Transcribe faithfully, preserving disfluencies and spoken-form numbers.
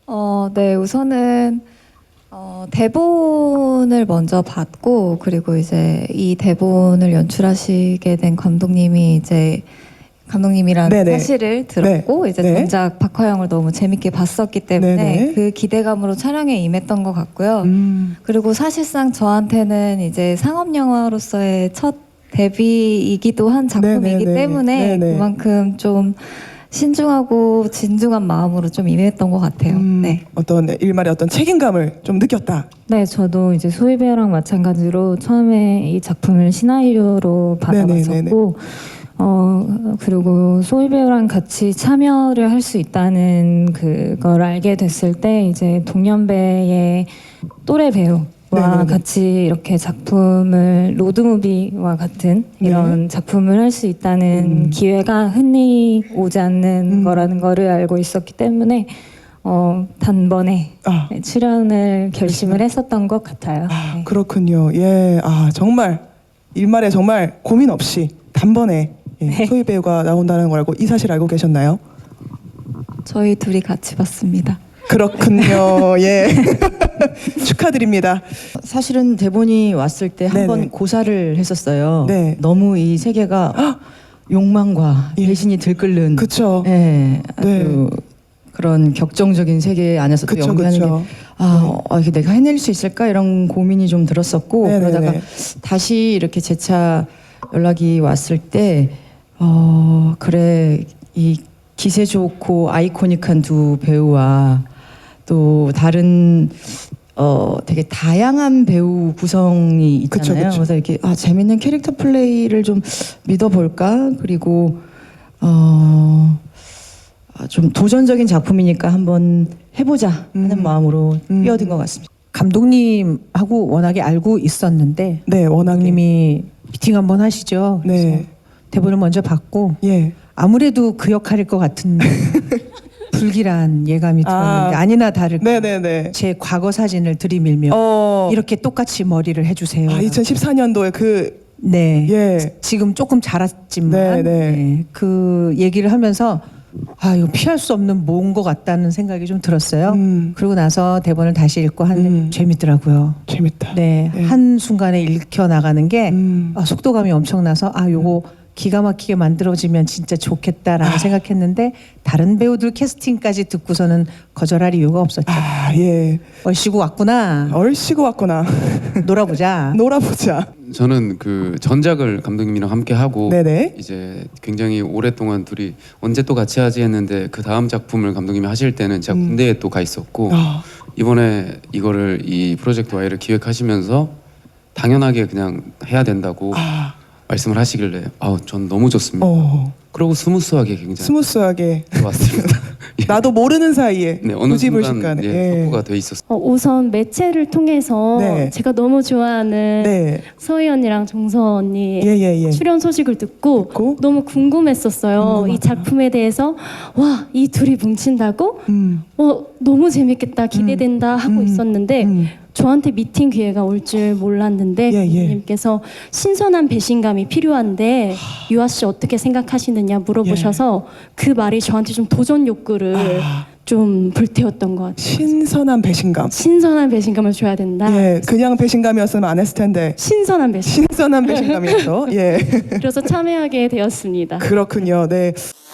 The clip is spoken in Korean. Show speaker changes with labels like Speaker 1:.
Speaker 1: 어, 네, 우선은 어, 대본을 먼저 받고 그리고 이제 이 대본을 연출하시게 된 감독님이 이제 감독님이란
Speaker 2: 네네.
Speaker 1: 사실을 들었고
Speaker 2: 네.
Speaker 1: 이제
Speaker 2: 네.
Speaker 1: 전작 박화영을 너무 재밌게 봤었기 때문에
Speaker 2: 네네.
Speaker 1: 그 기대감으로 촬영에 임했던 것 같고요.
Speaker 2: 음.
Speaker 1: 그리고 사실상 저한테는 이제 상업 영화로서의 첫 데뷔이기도 한 작품이기
Speaker 2: 네네네.
Speaker 1: 때문에
Speaker 2: 네네.
Speaker 1: 그만큼 좀 신중하고 진중한 마음으로 좀 임했던 것 같아요.
Speaker 2: 음,
Speaker 1: 네.
Speaker 2: 어떤 일말의 어떤 책임감을 좀 느꼈다.
Speaker 3: 네, 저도 이제 소희 배우랑 마찬가지로 처음에 이 작품을 시나리오로 받아봤었고, 어 그리고 소희 배우랑 같이 참여를 할 수 있다는 그걸 알게 됐을 때 이제 동년배의 또래 배우와
Speaker 2: 네네네.
Speaker 3: 같이 이렇게 작품을 로드무비와 같은 이런 작품을 할 수 있다는
Speaker 2: 음.
Speaker 3: 기회가 흔히 오지 않는
Speaker 2: 음.
Speaker 3: 거라는 거를 알고 있었기 때문에 어 단번에
Speaker 2: 아,
Speaker 3: 네, 출연을 결심을 했었던 것 같아요.
Speaker 2: 아
Speaker 3: 네.
Speaker 2: 그렇군요. 예, 아 정말 일말에 정말 고민 없이 단번에 예,
Speaker 3: 네.
Speaker 2: 소희 배우가 나온다는 걸 알고 이 사실 알고 계셨나요?
Speaker 1: 저희 둘이 같이 봤습니다.
Speaker 2: 그렇군요. 예. 축하드립니다.
Speaker 4: 사실은 대본이 왔을 때 한 번
Speaker 2: 네네.
Speaker 4: 고사를 했었어요.
Speaker 2: 네.
Speaker 4: 너무 이 세계가 욕망과
Speaker 2: 예.
Speaker 4: 배신이 들끓는
Speaker 2: 그쵸.
Speaker 4: 예, 아주
Speaker 2: 네.
Speaker 4: 그런 격정적인 세계 안에서 또
Speaker 2: 그쵸,
Speaker 4: 연기하는
Speaker 2: 그쵸.
Speaker 4: 게 아, 어, 이게 내가 해낼 수 있을까 이런 고민이 좀 들었었고
Speaker 2: 네네네.
Speaker 4: 그러다가 다시 이렇게 재차 연락이 왔을 때 어, 그래 이 기세 좋고 아이코닉한 두 배우와 또 다른 어 되게 다양한 배우 구성이
Speaker 2: 그쵸,
Speaker 4: 있잖아요.
Speaker 2: 그쵸.
Speaker 4: 그래서 이렇게 아 재밌는 캐릭터 플레이를 좀 믿어볼까 그리고 어. 아, 좀 도전적인 작품이니까 한번 해보자 하는
Speaker 2: 음.
Speaker 4: 마음으로
Speaker 2: 음.
Speaker 4: 뛰어든 것 같습니다.
Speaker 5: 감독님하고 워낙에 알고 있었는데
Speaker 2: 네, 워낙에.
Speaker 5: 감독님이 미팅 한번 하시죠. 그래서
Speaker 2: 네.
Speaker 5: 대본을 먼저 받고
Speaker 2: 예.
Speaker 5: 아무래도 그 역할일 것 같은 불길한 예감이
Speaker 2: 아.
Speaker 5: 들었는데 아니나 다를까
Speaker 2: 네네네.
Speaker 5: 제 과거 사진을 들이밀며
Speaker 2: 어.
Speaker 5: 이렇게 똑같이 머리를 해주세요.
Speaker 2: 아, 이천십사 년도에 그
Speaker 5: 네.
Speaker 2: 예.
Speaker 5: 지금 조금 자랐지만
Speaker 2: 네, 네.
Speaker 5: 네, 그 얘기를 하면서 아 이거 피할 수 없는 뭔 것 같다는 생각이 좀 들었어요.
Speaker 2: 음.
Speaker 5: 그러고 나서 대본을 다시 읽고 하는데
Speaker 2: 음.
Speaker 5: 재밌더라고요.
Speaker 2: 재밌다.
Speaker 5: 네,
Speaker 2: 네.
Speaker 5: 한 순간에 읽혀 나가는 게
Speaker 2: 음.
Speaker 5: 아, 속도감이 엄청나서 아 요거 기가 막히게 만들어지면 진짜 좋겠다라는
Speaker 2: 아.
Speaker 5: 생각했는데 다른 배우들 캐스팅까지 듣고서는 거절할 이유가 없었죠.
Speaker 2: 아, 예.
Speaker 5: 얼씨구 왔구나.
Speaker 2: 얼씨구 왔구나.
Speaker 5: 놀아보자.
Speaker 2: 놀아보자.
Speaker 6: 저는 그 전작을 감독님이랑 함께 하고
Speaker 2: 네네.
Speaker 6: 이제 굉장히 오랫동안 둘이 언제 또 같이 하지 했는데 그 다음 작품을 감독님이 하실 때는 제가
Speaker 2: 음.
Speaker 6: 군대에 또 가 있었고
Speaker 2: 아,
Speaker 6: 이번에 이거를 이 프로젝트 Y를 기획하시면서 당연하게 그냥 해야 된다고
Speaker 2: 아,
Speaker 6: 말씀을 하시길래 아우 전 너무 좋습니다.
Speaker 2: 어,
Speaker 6: 그리고 스무스하게 굉장히
Speaker 2: 스무스하게.
Speaker 6: 좋았습니다. 예.
Speaker 2: 나도 모르는 사이에
Speaker 6: 네, 어느
Speaker 2: 무지불식간에.
Speaker 6: 순간 예, 확보가 돼 있었어요.
Speaker 7: 어, 우선 매체를 통해서
Speaker 2: 네.
Speaker 7: 제가 너무 좋아하는
Speaker 2: 네.
Speaker 7: 서희 언니랑 정서 언니
Speaker 2: 예, 예, 예.
Speaker 7: 출연 소식을 듣고,
Speaker 2: 듣고?
Speaker 7: 너무 궁금했었어요.
Speaker 2: 궁금하다.
Speaker 7: 이 작품에 대해서 와, 이 둘이 뭉친다고?
Speaker 2: 음.
Speaker 7: 어, 너무 재밌겠다, 기대된다 하고
Speaker 2: 음.
Speaker 7: 있었는데
Speaker 2: 음.
Speaker 7: 저한테 미팅 기회가 올 줄 몰랐는데
Speaker 2: 예, 예.
Speaker 7: 감독님께서 신선한 배신감이 필요한데 유아 씨 어떻게 생각하시느냐 물어보셔서 그 말이 저한테 좀 도전 욕구를
Speaker 2: 아.
Speaker 7: 좀 불태웠던 것 같아요.
Speaker 2: 신선한 배신감.
Speaker 7: 신선한 배신감을 줘야 된다.
Speaker 2: 예, 그냥 배신감이었으면 안 했을 텐데.
Speaker 7: 신선한 배신.
Speaker 2: 신선한 배신감이었어. 예.
Speaker 7: 그래서 참여하게 되었습니다.
Speaker 2: 그렇군요. 네.